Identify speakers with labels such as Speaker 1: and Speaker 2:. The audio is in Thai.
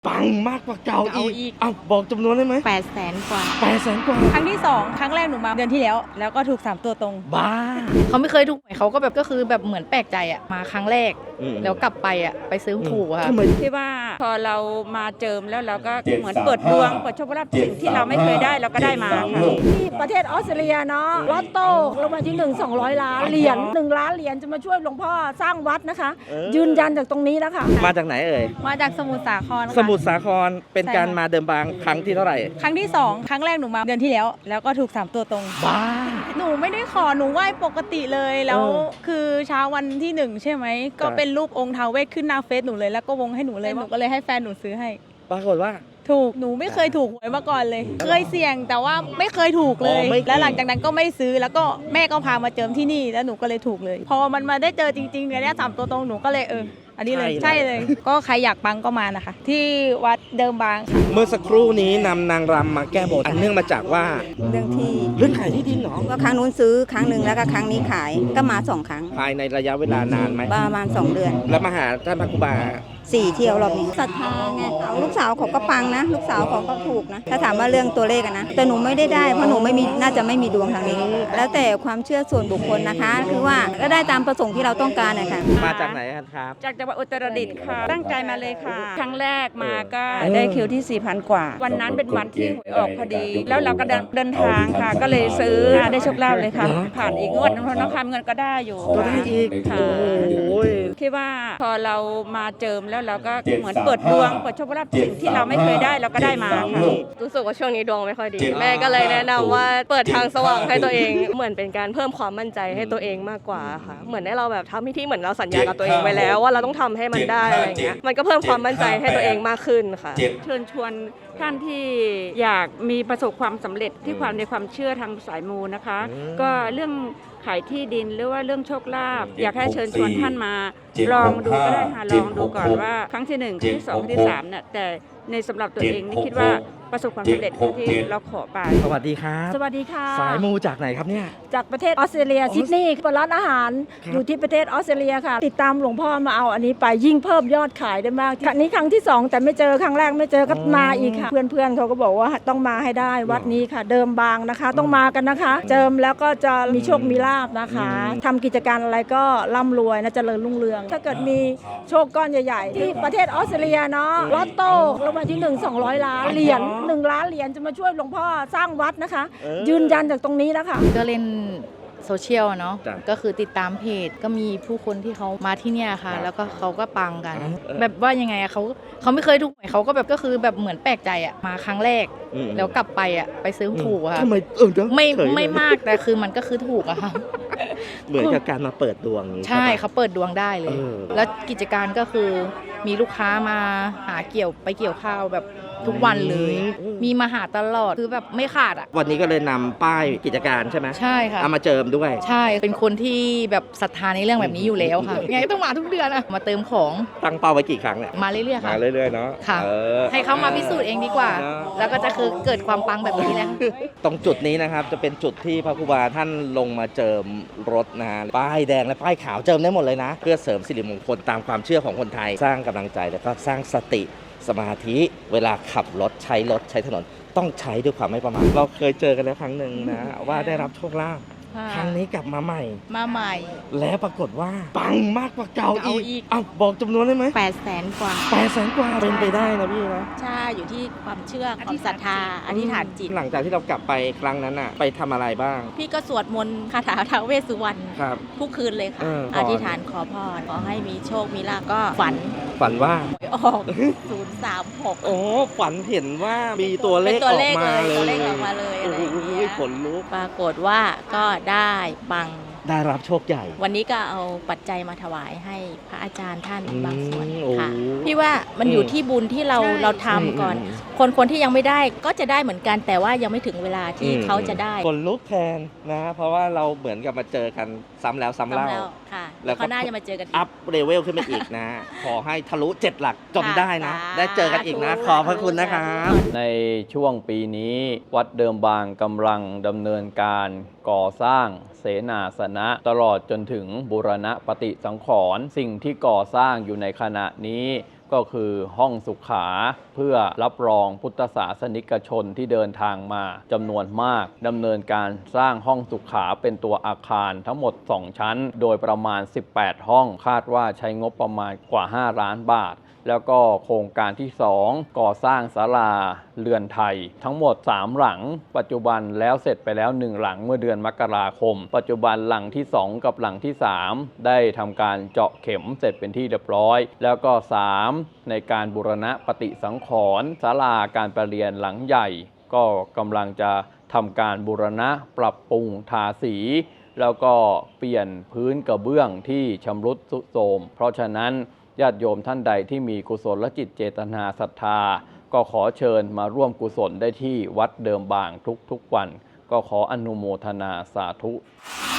Speaker 1: ปังมากกว่าเก่าอีก
Speaker 2: เอา
Speaker 1: บอกจำนวนได้ไหม
Speaker 2: 800,000 กว่า
Speaker 1: 800,000 กว่า
Speaker 2: ครั้งที่2ครั้งแรกหนูมาเดือนที่แล้วแล้วก็ถูก3ตัวตรง
Speaker 1: บ้า
Speaker 2: เขาไม่เคยถูกหวยเขาก็แบบก็คือแบบเหมือนแปลกใจอ่ะมาครั้งแรกแล้วกลับไปอ่ะไปซื้อถูกค่ะ
Speaker 3: ที่ว่าพอเรามาเจิมแล้วเราก็เหมือนเปิดดวงเปิดโชคลาภสิ่งที่เราไม่เคยได้เราก็ได้มาค่ะ
Speaker 4: ที่ประเทศออสเตรเลียเนาะลอตโต้รางวัลที่1 200 ล้านเหรียญ1 ล้านเหรียญจะมาช่วยหลวงพ่อสร้างวัดนะคะยืนยันจากตรงนี้แล้วค่ะ
Speaker 1: มาจากไหนเอ่ย
Speaker 2: มาจากสมุทรสาครค่ะ
Speaker 1: สมุทรสาครเป็นการมาเดิมบางครั้งที่เท่าไหร่
Speaker 2: ครั้งที่2ครั้งแรกหนูมาเดือนที่แล้วแล้วก็ถูก3ตัวตรง
Speaker 1: บ้า
Speaker 2: หนูไม่ได้ขอหนูไหว้ปกติเลยแล้วคือเช้าวันที่1ใช่ไหมก็เป็นรูปองค์ท้าวเวสขึ้นหน้าเฟซหนูเลยแล้วก็วงให้หนูเลยหนูก็เลยให้แฟนหนูซื้อให้
Speaker 1: ปรากฏว่า
Speaker 2: ถูกหนูไม่เคยถูกหวยมาก่อนเลยเคยเสี่ยงแต่ว่าไม่เคยถูกเลยแล้วหลังจากนั้นก็ไม่ซื้อแล้วก็แม่ก็พามาเจิมที่นี่แล้วหนูก็เลยถูกเลยพอมันมาได้เจอจริงๆเนี่ย3ตัวตรงหนูก็เลยอันนี้เลยใช่เลยก็ใครอยากปังก็มานะคะที่วัดเดิมบางค่ะ
Speaker 1: เมื่อสักครู่นี้นำนางรำมาแก้บนอันเนื่องมาจากว่า
Speaker 5: เ
Speaker 1: รื่องขายที่ดินเหรอ
Speaker 5: ก็ครั้งนู้นซื้อครั้งหนึ่งแล้วก็ครั้งนี้ขายก็มา2 ครั้ง
Speaker 1: ภายในระยะเวลานานไหม
Speaker 5: ประมาณ2 เดือน
Speaker 1: แล้วมาหาท่านพระครูบา
Speaker 5: 4 เที่ยวรอบนี้ศรัทธาไงเอาลูกสาวเขาก็ปังนะลูกสาวเขาก็ถูกนะถ้าถามว่าเรื่องตัวเลขนะแต่หนูไม่ได้เพราะหนูไม่มีน่าจะไม่มีดวงทางนี้แล้วแต่ความเชื่อส่วนบุคคลนะคะคือว่าก็ได้ตามประสงค์ที่เราต้องการนะคะ
Speaker 1: มาจากไหนครับ
Speaker 3: จากจังหวัดอุตรดิตถ์ค่ะตั้งใจมาเลยค่ะครั้งแรกมาก็ได้คิวที่ 4,000 กว่าวันนั้นเป็นวันที่หวยออกพอดีแล้วเราก็เดินทางค่ะก็เลยซื้อได้โชคลาภเลยค่ะผ่านอีกงวดน้องคำเงินก็ได้อยู่
Speaker 1: ก็ได้อีก
Speaker 3: ค่ะคิดว่าพอเรามาเจิมแล้วเราก็เหมือนเปิดดวงเปิดโชคลาภสิ่งที่เราไม่เคยได้เราก็ได้มาค่ะ
Speaker 6: รู้สึกว่าช่วงนี้ดวงไม่ค่อยดีแม่ก็เลยแนะนำว่าเปิดทางสว่างให้ตัวเองเหมือนเป็นการเพิ่มความมั่นใจให้ตัวเองมากกว่าค่ะเหมือนให้เราแบบทำพิธีเหมือนเราสัญญากับตัวเองไว้แล้วว่าเราต้องทำให้มันได้อะไรเงี้ยมันก็เพิ่มความมั่นใจให้ตัวเองมากขึ้นค่ะ
Speaker 3: เชิญชวนท่านที่อยากมีประสบความสำเร็จที่ความในความเชื่อทางสายมูนะคะก็เรื่องขายที่ดินหรือว่าเรื่องโชคลาภอยากให้เชิญชวนท่านมาลองดูก็ได้ค่ะลองดูก่อนว่าครั้งที่1ครั้งที่2ครั้งที่3เนี่ยแต่ในสำหรับตัวเองนี่คิดว่าประสบความสำเร็จที่เราขอไป
Speaker 1: สวัสดีครับ
Speaker 4: สวัสดีค่ะ
Speaker 1: สายมูจากไหนครับเนี่ย
Speaker 4: จากประเทศออสเตรเลียซิดนีย์เปิดร้านอาหารอยู่ที่ประเทศออสเตรเลียค่ะติดตามหลวงพ่อมาเอาอันนี้ไปยิ่งเพิ่มยอดขายได้มากครั้งนี้ครั้งที่2แต่ไม่เจอครั้งแรกไม่เจอก็มาอีกค่ะเพื่อนๆเขาก็บอกว่าต้องมาให้ได้วัดนี้ค่ะเดิมบางนะคะต้องมากันนะคะเจิมแล้วก็จะมีโชคมีลาภนะคะทำกิจการอะไรก็ร่ำรวยนะเจริญรุ่งเรืองถ้าเกิดมีโชคก้อนใหญ่ๆที่ประเทศออสเตรเลียเนาะลอตโต้รางวัลที่1 200 ล้านเหรียญ1 ล้านเหรียญจะมาช่วยหลวงพ่อสร้างวัดนะคะยืนยันจากตรงนี้แล้วค่ะ
Speaker 2: ก็เล่นโซเชียลเนาะก็คือติดตามเพจก็มีผู้คนที่เขามาที่เนี่ยค่ะแล้วก็เขาก็ปังกันแบบว่ายังไงเขาไม่เคยถูกหวยเขาก็แบบก็คือแบบเหมือนแปลกใจอ่ะมาครั้งแรกแล้วกลับไปอ่ะไปซื้อถูกค่ะไม่มากแต่คือมันก็คือถูกอะค่ะ
Speaker 1: เหมือนกับการมาเปิดดวง
Speaker 2: ใช่เขาเปิดดวงได้เลยแล้วกิจการก็คือมีลูกค้ามาหาเกี่ยวข้าวแบบทุกวันเลยมีมาหาตลอดคือแบบไม่ขาดอ่ะ
Speaker 1: วันนี้ก็เลยนำป้ายกิจการใช่ไหม
Speaker 2: ใช่ค่ะ
Speaker 1: เอามาเจิมด้วย
Speaker 2: ใช่เป็นคนที่แบบศรัทธาในเรื่องแบบนี้อยู่แล้วค่ะไงต้องมาทุกเดือนอะมาเติมของ
Speaker 1: ตั้งเป้าไว้กี่ครั้งเนี่ย
Speaker 2: มาเรื่อยๆค่ะ
Speaker 1: มาเรื่อยๆเนาะ
Speaker 2: ค่ะให้เขามาพิสูจน์เองดีกว่าแล้วก็จะคือเกิดความปังแบบนี้แหละ
Speaker 1: ตรงจุดนี้นะครับจะเป็นจุดที่พระครูบาท่านลงมาเจิมรถนะฮะป้ายแดงและป้ายขาวเจิมได้หมดเลยนะเพื่อเสริมสิริมงคลตามความเชื่อของคนไทยสร้างกำลังใจแล้วก็สร้างสติสมาธิเวลาขับรถใช้ถนนต้องใช้ด้วยความไม่ประมาทเราเคยเจอกันแล้วครั้งหนึ่งนะว่าได้รับโชคลาภครั้งนี้กลับมาใหม่แล้วปรากฏว่าปังมากกว่าเก่าอีกบอกจำนวนได้ไหม
Speaker 2: 800,000 กว่า
Speaker 1: 800,000 กว่าเป็นไปได้นะพี่นะ
Speaker 2: ใช่อยู่ที่ความเชื่อความศรัทธาอธิษฐานจิต
Speaker 1: หลังจากที่เรากลับไปครั้งนั้นน่ะไปทำอะไรบ้าง
Speaker 2: พี่ก็สวดมนต์คาถาท้าวเวสสุวรรณทุกคืนเลยค่ะอธิษฐานขอพรขอให้มีโชคมีลาภก็ฝัน
Speaker 1: ว่า
Speaker 2: หวยออก036
Speaker 1: โอ้ฝันเห็นว่ามีตัวเลขออกมาเลย
Speaker 2: ตัวเลขออกมาเลยอะไรอย่างเงี้ย
Speaker 1: ขนลุก
Speaker 2: ปรากฏว่าก็ได้ปัง
Speaker 1: ได้รับโชคใหญ่
Speaker 2: วันนี้ก็เอาปัจจัยมาถวายให้พระอาจารย์ท่านบางส่วนค่ะพี่ว่ามันอยู่ที่บุญที่เราทำก่อนคนที่ยังไม่ได้ก็จะได้เหมือนกันแต่ว่ายังไม่ถึงเวลาที่เขาจะได้
Speaker 1: ขนลุกแทนนะเพราะว่าเราเหมือนกับมาเจอกันซ้ำแล้วซ้ำเล่า
Speaker 2: ค่ะแล้วเขาน่าจะมาเจอกัน
Speaker 1: อัพเลเวลขึ้นไปอีกนะขอให้ทะลุ7 หลักจนได้นะได้เจอกันอีกนะขอบพระคุณนะครับ
Speaker 7: ในช่วงปีนี้วัดเดิมบางกำลังดำเนินการก่อสร้างเสนาสนะตลอดจนถึงบูรณะปฏิสังขรณ์สิ่งที่ก่อสร้างอยู่ในขณะนี้ก็คือห้องสุขาเพื่อรับรองพุทธศาสนิกชนที่เดินทางมาจำนวนมากดำเนินการสร้างห้องสุขาเป็นตัวอาคารทั้งหมด 2 ชั้นโดยประมาณ 18 ห้องคาดว่าใช้งบประมาณกว่า 5 ล้านบาทแล้วก็โครงการที่ 2 ก่อสร้างศาลาเรือนไทยทั้งหมด 3 หลังปัจจุบันแล้วเสร็จไปแล้ว 1 หลังเมื่อเดือนมกราคมปัจจุบันหลังที่ 2 กับหลังที่ 3 ได้ทำการเจาะเข็มเสร็จเป็นที่เรียบร้อยแล้วก็ 3 ในการบูรณะปฏิสังขรณ์ศาลาการประเรียนหลังใหญ่ก็กำลังจะทำการบูรณะปรับปรุงทาสีแล้วก็เปลี่ยนพื้นกระเบื้องที่ชำรุดทรุดโทรมเพราะฉะนั้นญาติโยมท่านใดที่มีกุศลจิตเจตนาศรัทธาก็ขอเชิญมาร่วมกุศลได้ที่วัดเดิมบางทุกๆวันก็ขออนุโมทนาสาธุ